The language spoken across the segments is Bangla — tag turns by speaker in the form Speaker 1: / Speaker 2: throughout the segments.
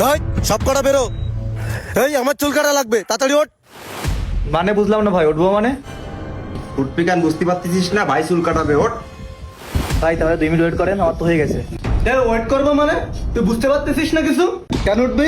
Speaker 1: এই সব কটা বেরো। এই আমার চুল কাটা লাগবে, তাড়াতাড়ি ওঠ।
Speaker 2: মানে বুঝলাম না ভাই, উঠবো মানে?
Speaker 3: উঠবি কেন বুঝতে পারতেছিস না? ভাই চুল কাটাবে, ওঠ।
Speaker 2: ভাই তাহলে 2 মিনিট ওয়েট করেন, আমার তো হয়ে গেছে।
Speaker 1: ওয়েট করবো মানে? তুই বুঝতে পারতেছিস না কিছু? কেন উঠবি?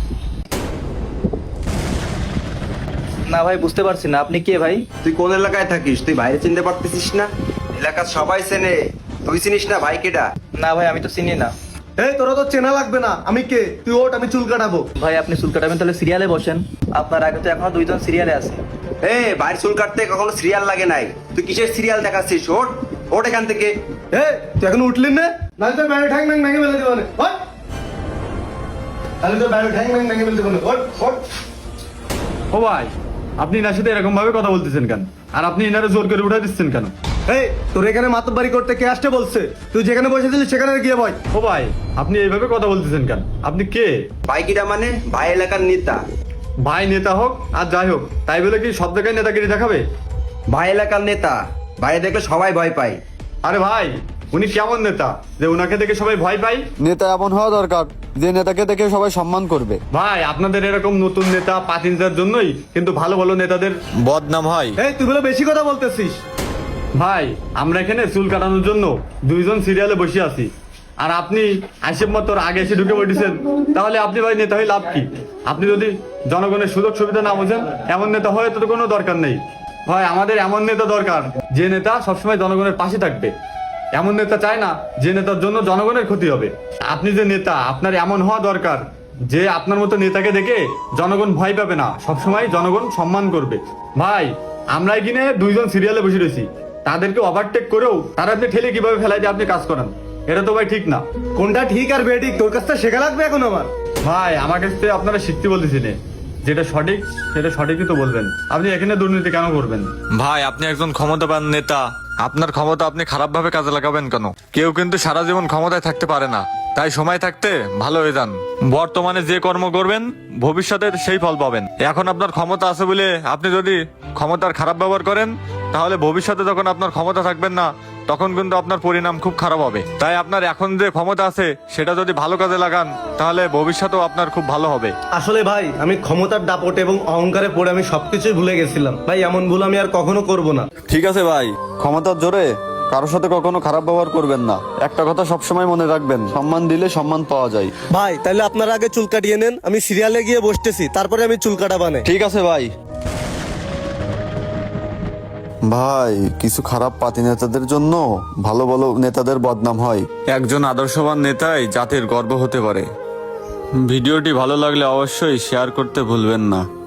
Speaker 2: না ভাই বুঝতে পারছি না, আপনি কে ভাই?
Speaker 3: তুই কোন এলাকায় থাকিস? তুই বাইরে চিনতে পারতেছিস না? এলাকার সবাই চেনে, তুই চিনিস না ভাই কেডা?
Speaker 2: না ভাই আমি তো চিনি না।
Speaker 1: এই তোরা তো চেনা লাগবে না, আমি কে? তুই ওঠ, আমি চুল কাটাবো।
Speaker 2: ভাই আপনি চুল কাটাবেন তাহলে সিরিয়ালে বসেন, আপনার আগে তো এখনো 2জন সিরিয়ালে আছে।
Speaker 3: বাইরে চুল কাটতে কখনো সিরিয়াল লাগে নাই। তুই কিসের সিরিয়াল দেখাচ্ছিস? ওঠ, ওঠ এখান থেকে।
Speaker 1: তুই এখন উঠলি না? নাহলে তোর ব্যাগে ঠ্যাং ম্যাং ভেঙে ফেলে দেবো না। ওঠ। তাহলে তোর ব্যাগে ঠ্যাং ম্যাং ভেঙে ফেলে দেবো না। ওঠ, ওঠ।
Speaker 4: ও ভাই, আপনি এনার সাথে এরকম ভাবে কথা বলতেছেন কেন? আর আপনি এনারে জোর করে উঠাই দিচ্ছেন কেন?
Speaker 1: তোর এখানে মাতব্বারি করতে কে আসতে বলছে? তুই যেখানে বসেছিলি সেখানে গিয়ে বয়।
Speaker 4: ও ভাই, আপনি এইভাবে কথা বলতেছেন কেন? আপনি কে?
Speaker 3: ভাই কিডা মানে? ভাই এলাকার নেতা।
Speaker 4: ভাই নেতা হোক আর যাই হোক, তাই বলে কি সব জায়গায় নেতাগিরি দেখাবে?
Speaker 3: ভাই এলাকার নেতা, বাইরে দেখলে সবাই ভয় পায়।
Speaker 4: আরে ভাই, উনি কেমন নেতা যে উনাকে দেখে সবাই ভয় পায়?
Speaker 5: নেতা এমন হওয়া দরকার যে নেতাকে দেখে সবাই সম্মান করবে।
Speaker 4: ভাই আপনাদের এরকম নতুন নেতা পাতিনজার জন্যই কিন্তু ভালো ভালো নেতাদের বদনাম হয়।
Speaker 1: তুই বলে বেশি কথা বলতেছিস।
Speaker 4: ভাই আমরা এখানে চুল কাটানোর জন্য 2জন সিরিয়ালে বসে আছি, আর আপনি আইসেব মতো আগে এসে ঢুকে পড়েছেন। তাহলে আপনি ভাই নেতা হয়ে লাভ কি? আপনি যদি জনগণের সুযোগ সুবিধা না বোঝেন, এমন নেতা হয়ে তো কোনো দরকার নেই। ভাই আমাদের এমন নেতা দরকার যে নেতা সবসময় জনগণের পাশে থাকবে। এমন নেতা চায় না যে নেতার জন্য জনগণের ক্ষতি হবে। আপনি যে নেতা, আপনার এমন হওয়া দরকার যে আপনার মতো নেতাকে দেখে জনগণ ভয় পাবে না, সবসময় জনগণ সম্মান করবে। ভাই আমরা এখানে 2জন সিরিয়ালে বসে রয়েছি, তাদেরকে ওভারটেক করেও তারা আপনি ঠেলে কিভাবে ফেলাই দিয়ে আপনি কাজ করেন, এটা তো ভাই ঠিক না।
Speaker 1: কোনটা ঠিক আর বেঠিক তোর কাছ থেকে শেখা লাগবে এখন আমার।
Speaker 4: ভাই আমার কাছ থেকে আপনারা শিখতে বলতেছি না, যেটা সঠিক সেটা সঠিকই তো বলবেন। আপনি এখানে দুর্নীতি কেন করবেন?
Speaker 6: ভাই আপনি একজন ক্ষমতাবান নেতা, আপনার ক্ষমতা আপনি খারাপ ভাবে কাজে লাগাবেন কেন? কেউ কিন্তু সারা জীবন ক্ষমতায় থাকতে পারে না, তাই সময় থাকতে ভালো হয়ে যান। বর্তমানে যে কর্ম করবেন ভবিষ্যতে সেই ফল পাবেন। এখন আপনার ক্ষমতা আছে বলে আপনি যদি ক্ষমতার খারাপ ব্যবহার করেন, তাহলে ভবিষ্যতে যখন আপনার ক্ষমতা থাকবেন না, তখন কিন্তু আপনার পরিণাম খুব খারাপ হবে। তাই আপনার এখন যে ক্ষমতা আছে সেটা যদি ভালো কাজে লাগান, তাহলে ভবিষ্যতেও আপনার খুব ভালো হবে।
Speaker 1: আসলে ভাই আমি ক্ষমতার দাপটে এবং অহংকারে পড়ে আমি সবকিছুই ভুলে গেছিলাম ভাই, এমন ভুল আমি আর কখনো করব না।
Speaker 5: ঠিক আছে ভাই, ক্ষমতার জোরে কারোর সাথে কখনো খারাপ ব্যবহার করবেন না। একটা কথা সবসময় মনে রাখবেন, সম্মান দিলে সম্মান পাওয়া যায়।
Speaker 1: ভাই তাহলে আপনারা আগে চুল কাটিয়ে নেন, আমি সিরিয়ালে গিয়ে বসতেছি, তারপরে আমি চুল কাটাবানে।
Speaker 5: ঠিক আছে ভাই। ভাই কিছু খারাপ পাতি নেতাদের জন্য ভালো ভালো নেতাদের বদনাম হয়।
Speaker 6: একজন আদর্শবান নেতাই জাতির গর্ব হতে পারে। ভিডিওটি ভালো লাগলে অবশ্যই শেয়ার করতে ভুলবেন না।